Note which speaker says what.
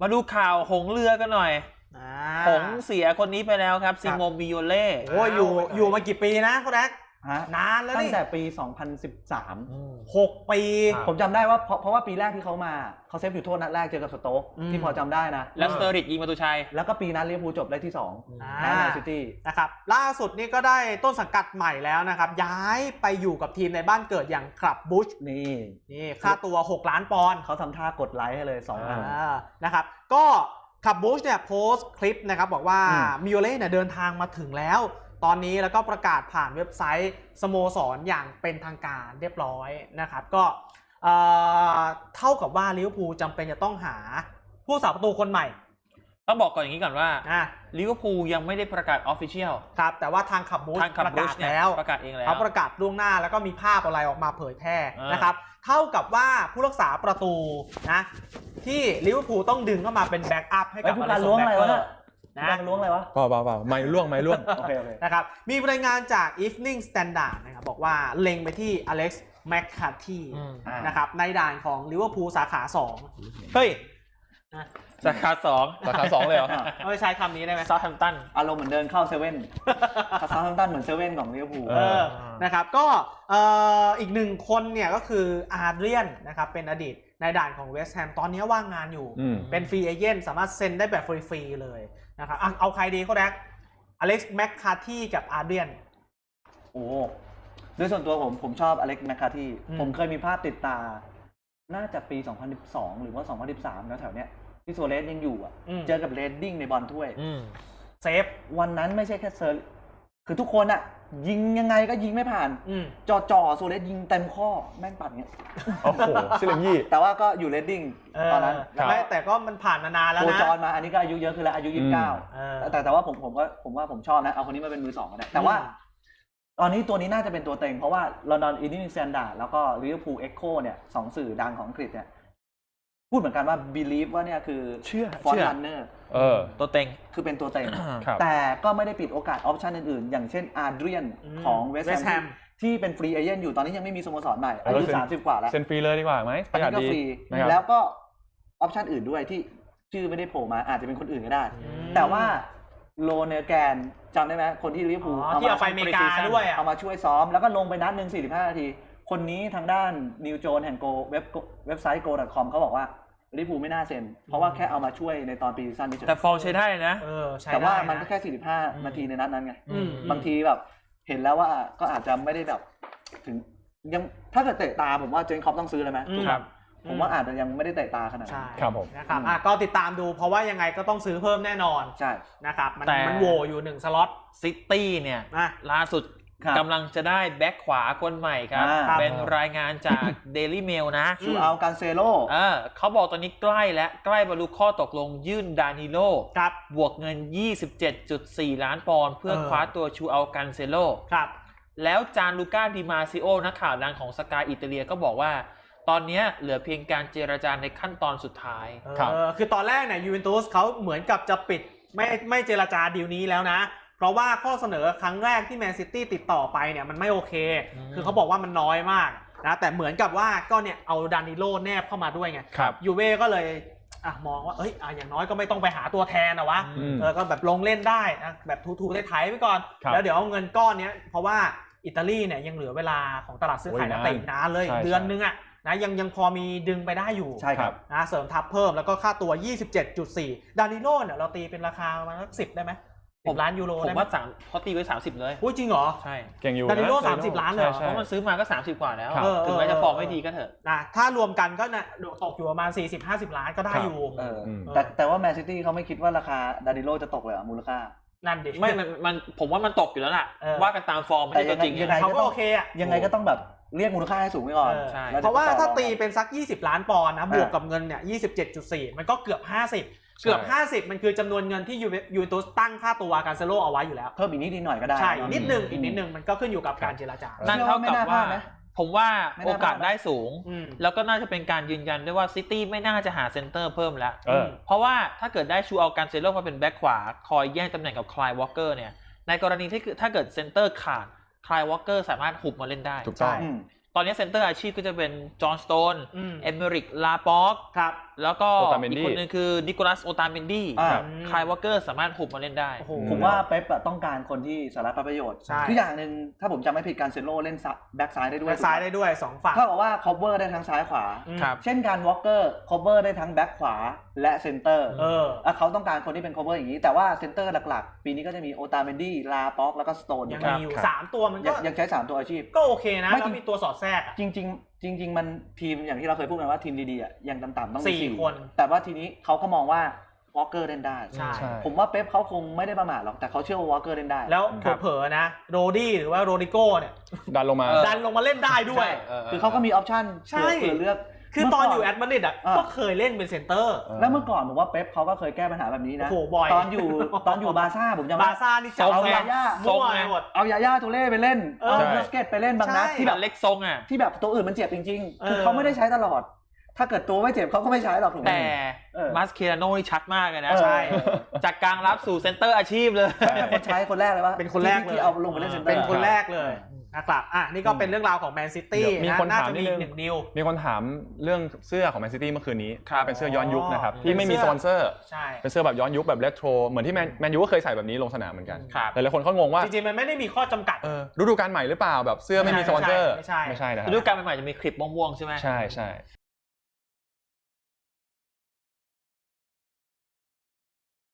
Speaker 1: มาดูข่าวหงเรือกันหน่อยหงเสียคนนี้ไปแล้วครับซิโมบิโอเล่
Speaker 2: โอ้ยอยู่มากี่ปีนะคุณแอ๊กนานแล้ว
Speaker 3: ตั้งแต่ปี 2013
Speaker 2: 6 ปี
Speaker 3: ผมจำได้ว่าเพราะว่าปีแรกที่เขามาเขาเซฟอยู่โทษนัดแรกเจอกับสโต๊กที่พอจำได้นะ
Speaker 1: แล้วสเตอริกยิงประตูชัย
Speaker 3: แล้วก็ปีนั้นลิเวอร์พูลจบได้ที่2แมนซิตี้
Speaker 2: นะครับล่าสุดนี่ก็ได้ต้นสังกัดใหม่แล้วนะครับย้ายไปอยู่กับทีมในบ้านเกิดอย่างคลับบูชนี่ค่าตัว6 ล้านปอนด์
Speaker 3: เขาทำท่ากดไลค์ให้เลย2 อัน
Speaker 2: นะครับก็คลับบูชเนี่ยโพสต์คลิปนะครับบอกว่ามิโอเล่เนี่ยเดินทางมาถึงแล้วตอนนี้แล้วก็ประกาศผ่านเว็บไซต์สโมสรอย่างเป็นทางการเรียบร้อยนะครับก็เท่ากับว่าลิเวอร์พูลจำเป็นจะต้องหาผู้สาประตูคนใหม่
Speaker 1: ต้องบอกก่อนอย่างนี้ก่อนว่าลิเวอร์พูลยังไม่ได้ประกาศออฟฟิเชียล
Speaker 2: ครับแต่ว่าทางคลับบูชประกาศแล้ว
Speaker 1: ประกาศเองแล้ว
Speaker 2: เขาประกาศล่วงหน้าแล้วก็มีภาพอะไรออกมาเผยแพร่นะครับเท่ากับว่าผู้รักษาประตูนะที่ลิเวอร์พูลต้องดึงเข้ามาเป็นแบ็กอัพให้กับ
Speaker 3: ผู้การล้วงอะไรวะนะล้วงอะไรวะ
Speaker 4: เปล่าไม่ล่วง
Speaker 3: โอเค
Speaker 2: นะครับมีรายงานจาก Evening Standard นะครับบอกว่าเล็งไปที่อเล็กซ์แมคคาร์ทีนะครับในด่านของลิเวอร์พูลสาขา2
Speaker 1: เฮ้ยสาขา2
Speaker 4: เลยเหรอ
Speaker 2: ไม่ใช้คำนี้ได้ไหม
Speaker 1: ซาท์แฮมป์ตัน
Speaker 3: อารมณ์เหมือนเดินเข้าเซเว่นซาท์แฮมป์ตันเหมือนเซเว่นของลิเวอร์พูล
Speaker 2: นะครับก็อีก1 คนเนี่ยก็คืออาร์เดรียนนะครับเป็นอดีตในด่านของเวสต์แฮมตอนนี้ว่างงานอยู่เป็นฟรีเอเจนต์สามารถเซ็นได้แบบฟรีๆเลยนะครับเอาใครดีเขาแรกอเล็กซ์แมคคาร์ทีกับอาร์เดรียน
Speaker 3: โอ้โดยส่วนตัวผมชอบอเล็กซ์แมคคาร์ทีผมเคยมีภาพติดตาน่าจะปี2012หรือว่า2013แล้วแถวเนี้ยที่โซเลสยังอยู่เจอกับเรดดิ้งในบอลถ้วย
Speaker 2: เซฟ
Speaker 3: วันนั้นไม่ใช่แค่เซอร์คือทุกคนยิงยังไงก็ยิงไม่ผ่านจ่อโซเลสยิงเต็มข้อแม่งปัดเงี้ย
Speaker 4: โอ้โหซิลิงยี่
Speaker 3: แต่ว่าก็อยู่เรดดิ้งตอนนั้น
Speaker 2: แต่ก็มันผ่านมานานแล้วนะ
Speaker 3: โคจรมาอันนี้ก็อายุเยอะขึ้นแล้วอายุ29แต่ว่าผมว่าผมชอบนะเอาคนนี้มาเป็นมือ2ก็ได้แต่ว่าตอนนี้ตัวนี้น่าจะเป็นตัวเต็งเพราะว่าลอนดอนอีนิงแซนดาร์ดแล้วก็ลิเวอร์พูลเอ็กโคเนี่ย2 สื่อดังของอังกฤษเนี่ยพูดเหมือนกันว่า believe ว่าเนี่ยคือฟอนต์รันเนอร์
Speaker 1: ตัวเต็ง
Speaker 3: คือเป็นตัวเต็งแต่ก็ไม่ได้ปิดโอกาสออปชันอื่นๆอย่างเช่นอาร์เดรียนของเวสต์แฮมที่เป็นฟรีเอเจนต์อยู่ตอนนี้ยังไม่มีสโมสรใหม่อายุ30 กว่าแล้ว
Speaker 4: เซ็นฟรีเลยดีกว่าไหม
Speaker 3: อันนี้ก็ฟรีแล้วก็ออปชันอื่นด้วยที่ชื่อไม่ได้โผล่มาอาจจะเป็นคนอื่นก็ได้แต่ว่าโลเนอร์แกนจำได้ไหมคนที่ลิเวอร์พูล
Speaker 2: เอาไปอเมริกาด้วย
Speaker 3: เอามาช่วยซ้อมแล้วก็ลงไปนัดหนึ่ง45 นาทีคนนี้ทางด้านนิวโจนแห่งโกเว็บไซต์ go.com เขาบอกว่าลิเวอร์พูลไม่น่าเซ็นเพราะว่าแค่เอามาช่วยในตอนปีซีซั่นนี้
Speaker 1: แต่ฟอร์มใช้ได้นะ
Speaker 3: แต่ว่ามันก็แค่45 นาทีในนัดนั้นไงบางทีแบบเห็นแล้วว่าก็อาจจะไม่ได้แบบถึงยังถ้าเกิดเตะตาผมว่าเจนคอปต้องซื้อเลยไหมผมว่าอาจจะยังไม่ได้เตะตาขนาดนั้น
Speaker 4: ครับผม
Speaker 2: นะครับก็ติดตามดูเพราะว่ายังไงก็ต้องซื้อเพิ่มแน่นอน
Speaker 3: ใช่
Speaker 2: นะครับมันโหวอยู่1 สล็อต
Speaker 1: ซิตี้เนี่ยล่าสุดกำลังจะได้แบ็คขวาคนใหม่ครับเป็นรายงานจาก Daily Mail นะ
Speaker 3: ชูอัลกันเซโล
Speaker 1: เขาบอกตอนนี้ใกล้บรรลุข้อตกลงยื่นดานิโลบวกเงิน 27.4 ล้านปอนด์เพื่อคว้าตัวชูอัลกันเซโลแล้วจานลูก้าดิมาซิโอนักข่าวดังของสกายอิตาเลียก็บอกว่าตอนนี้เหลือเพียงการเจรจาในขั้นตอนสุดท้าย
Speaker 2: คือตอนแรกเนี่ยยูเวนตุสเขาเหมือนกับจะปิดไม่เจรจาดีลนี้แล้วนะเพราะว่าข้อเสนอครั้งแรกที่แมนซิตี้ติดต่อไปเนี่ยมันไม่โอเคคือเขาบอกว่ามันน้อยมากนะแต่เหมือนกับว่าก็เนี่ยเอาดานิโลแนบเข้ามาด้วยไงยูเว่ก็เลยมองว่าอย่างน้อยก็ไม่ต้องไปหาตัวแทนวะก็แบบลงเล่นได้นะแบบทูๆได้ไถไปก่อนแล้วเดี๋ยวเอาเงินก้อนนี้เพราะว่าอิตาลีเนี่ยยังเหลือเวลาของตลาดซื้อขายนักเตะนานเลยเดือนนึงนะยังพอมีดึงไปได้อยู่
Speaker 3: ใช่ครับ
Speaker 2: นะเสริมทัพเพิ่มแล้วก็ค่าตัว 27.4 ดานิโลเนี่ยเราตีเป็นราคาประมาณสัก10ได้ไหม10 ล้านยูโร
Speaker 1: ผมว่าเขาตีไว้30เลย
Speaker 2: จริงเหรอ
Speaker 1: ใช่
Speaker 4: เก่งอยู่
Speaker 2: ดานิโล30 ล้านเลย
Speaker 1: เพราะมันซื้อมาก็30 กว่าแล้วถึงแม้จะฟอร์มไม่ดีก็เถอะ
Speaker 2: ถ้ารวมกันก็ตกอยู่ประมาณ 40-50 ล้านก็ได้อยู่
Speaker 3: แต่ว่าแมนซิตี้เขาไม่คิดว่าราคาดานิโลจะตกเลยมูลค่า
Speaker 2: นั่นดิ
Speaker 1: ไม่มันผมว่ามันตกอยู่แล้วล่ะว่ากันตามฟอร์มไม่ใช่ตัวจริง
Speaker 2: เขาก็โอเค
Speaker 3: ยังไงก็ต้องแบบเรียกมูลค่าให้สูงไว้ก่อน
Speaker 2: เพราะว่าถ้าตีเป็นสัก20 ล้านปอนด์นะบวกกับเงินเนี่ย 27.4 มันก็เกือบ50มันคือจำนวนเงินที่ยูเวนตุสตั้งค่าตัวการเซโลเอาไว้อยู่แล้ว
Speaker 3: เพิ่มอีกนิดหน่อยก็ได้
Speaker 2: ใช่อีกนิดนึงมันก็ขึ้นอยู่กับการเจรจา
Speaker 1: นั่นเท่ากับว่าผมว่าโอกาสได้สูงแล้วก็น่าจะเป็นการยืนยันด้วยว่าซิตี้ไม่น่าจะหาเซนเตอร์เพิ่มแล้วเพราะว่าถ้าเกิดได้ชูเอาการเซโลมาเป็นแบ็คขวาคอยแย่งตำแหน่งกับคลายวอลเกอร์เนี่ยในกรณีที่ถ้าเกิดเซนเตอร์ขาดคลายวอลเกอร์สามารถหุบมาเล่นได้
Speaker 4: ถูกต้อง
Speaker 1: ตอนนี้เซนเตอร์อาชีพก็จะเป็นจอห์นสโตนเอเมริกลาป็อกแล้วก็
Speaker 4: โอตาเมน
Speaker 1: อี
Speaker 4: ดี้
Speaker 1: กคนนึงคือนิโคลัสโอตาเมนดี้
Speaker 3: อ่า
Speaker 1: คายวอลเกอร์สามารถหุบมาเล่นได้
Speaker 2: โอ้โห
Speaker 3: ผมว่าเป๊ปอะต้องการคนที่สาระประโยชน์
Speaker 2: ใช่
Speaker 3: คืออย่างหนึ่งถ้าผมจำไม่ผิดการเซโลเล่นแบ็กซ้ายได้ด้วย
Speaker 2: แบ็คซ้ายได้ด้วย2ฝั่ง
Speaker 3: เท่ากับว่าคอ v เวอร์ได้ทั้งซ้ายขวา
Speaker 1: ครับ
Speaker 3: เช่นการวอลเกอร์คอ v เวอร์ได้ทั้งแบ็กขวาและเซนเตอร์ เขาต้องการคนที่เป็นคอ v เวอร์อย่างนี้แต่ว่าเซนเตอร์หลักๆ ปีนี้ก็จะมีโอตาเมนดี้ลาป็อกแล้วก็สโตน
Speaker 2: ยัง
Speaker 3: ครับ
Speaker 2: มีอยู่
Speaker 4: ครับ
Speaker 2: 3 ตัวมันก็
Speaker 3: ยังใช้3ตัวอาชีพ
Speaker 2: ก็โอเคนะ
Speaker 3: ไม่
Speaker 2: แล้วมีตัวสอดแทรกอะ
Speaker 3: จริงมันทีมอย่างที่เราเคยพูดกันว่าทีมดีๆอะยังต่ำๆต้องมี
Speaker 2: 4 คน
Speaker 3: แต่ว่าทีนี้เขาก็มองว่าวอลเกอร์เล่นได้
Speaker 2: ใช่
Speaker 4: ใช่
Speaker 3: ผมว่าเป๊ปเขาคงไม่ได้ประมาทหรอกแต่เขาเชื่อว่าวอลเกอร์เล่นได้
Speaker 2: แล้ว
Speaker 1: ครับ
Speaker 2: เผลอๆนะโรดี้หรือว่าโรดิโก้เนี่ย
Speaker 4: ดันลงมา
Speaker 2: ดันลงมาเล่นได้ด้วย
Speaker 3: คือเขาก็มีออปชั่น
Speaker 2: ใช่
Speaker 3: เผื่อเลือก
Speaker 2: คือตอนอยู่แอตมาดริดอ่ะก็เคยเล่นเป็นเซนเตอร์
Speaker 3: แล้วเมื่อก่อนผมว่าเป๊ปเขาก็เคยแก้ปัญหาแบบนี้นะ
Speaker 2: โอ้โหบ่อย
Speaker 3: ตอนอยู่บาร์ซ่าผมจำ
Speaker 2: บา
Speaker 3: ได้
Speaker 2: ร์ซ่านี่จับ
Speaker 1: ทรง
Speaker 2: เอา
Speaker 1: ไง
Speaker 2: ยาย่า
Speaker 1: ทรง
Speaker 2: มั่ว
Speaker 1: ไง
Speaker 2: ไปหมด
Speaker 3: เอายาย่าตูเล่ไปเล่น
Speaker 2: เออ
Speaker 3: เอาบูสเกตไปเล่นบางนัด
Speaker 2: ใช่
Speaker 3: ที่
Speaker 1: แบ
Speaker 3: แบบ บ
Speaker 1: เล็กทรงอ่ะ
Speaker 3: ที่แบบตัวอื่นมันเจ็บจริงๆ คือเขาไม่ได้ใช้ตลอด ถ้าเกิดตัวไม่เจ็บเขาก็ไม่ใช้หรอกถูกไหม
Speaker 1: แต่
Speaker 3: เออ
Speaker 1: มาสเคราโน่นี่ชัดมากเลยนะ
Speaker 3: ใช่
Speaker 1: จากกลางรับสู่เซนเตอร์อาชีพเลย
Speaker 3: เป็นคนใช้คนแรกเลยว่า
Speaker 2: เป็นคนแรกเลย
Speaker 3: ที่เอาลงไปเล่นเซนเตอร์
Speaker 2: เป็นคนแรกเลยนะครับนี่ก็เป็นเรื่องราวของแมนซิตี้
Speaker 4: มี
Speaker 2: นะ
Speaker 4: คน
Speaker 2: น่า
Speaker 4: ถาม
Speaker 2: จะ
Speaker 4: นิ
Speaker 2: มี
Speaker 4: ดนึง
Speaker 2: หนึ่งนิว
Speaker 4: มีคนถามเรื่องเสื้อของแมนซิตี้เมื่อคืนนี้
Speaker 1: ครับ
Speaker 4: เป็นเสื้อย้อนยุคนะครับ
Speaker 2: อ๋อ
Speaker 4: ที่ไม่มีสปอนเซอร์
Speaker 2: ใช่
Speaker 4: เป็นเสื้อแบบย้อนยุคแบบเรโทรเหมือนที่แมนยูก็เคยใส่แบบนี้ลงสนามเหมือนกัน
Speaker 1: ครับ
Speaker 4: หลายๆคนเขางงว่า
Speaker 2: จริงๆมันไม่ได้มีข้อจำกัด
Speaker 4: ฤดูกาลใหม่หรือเปล่าแบบเสื้อไม่มีสปอนเซอร์
Speaker 2: ไม่ใช่
Speaker 4: ไม่ใช่นะครับ
Speaker 1: ฤดูกาลใหม่ๆจะมีคลิปม่วงๆใช่ไหม
Speaker 4: ใช่ใช่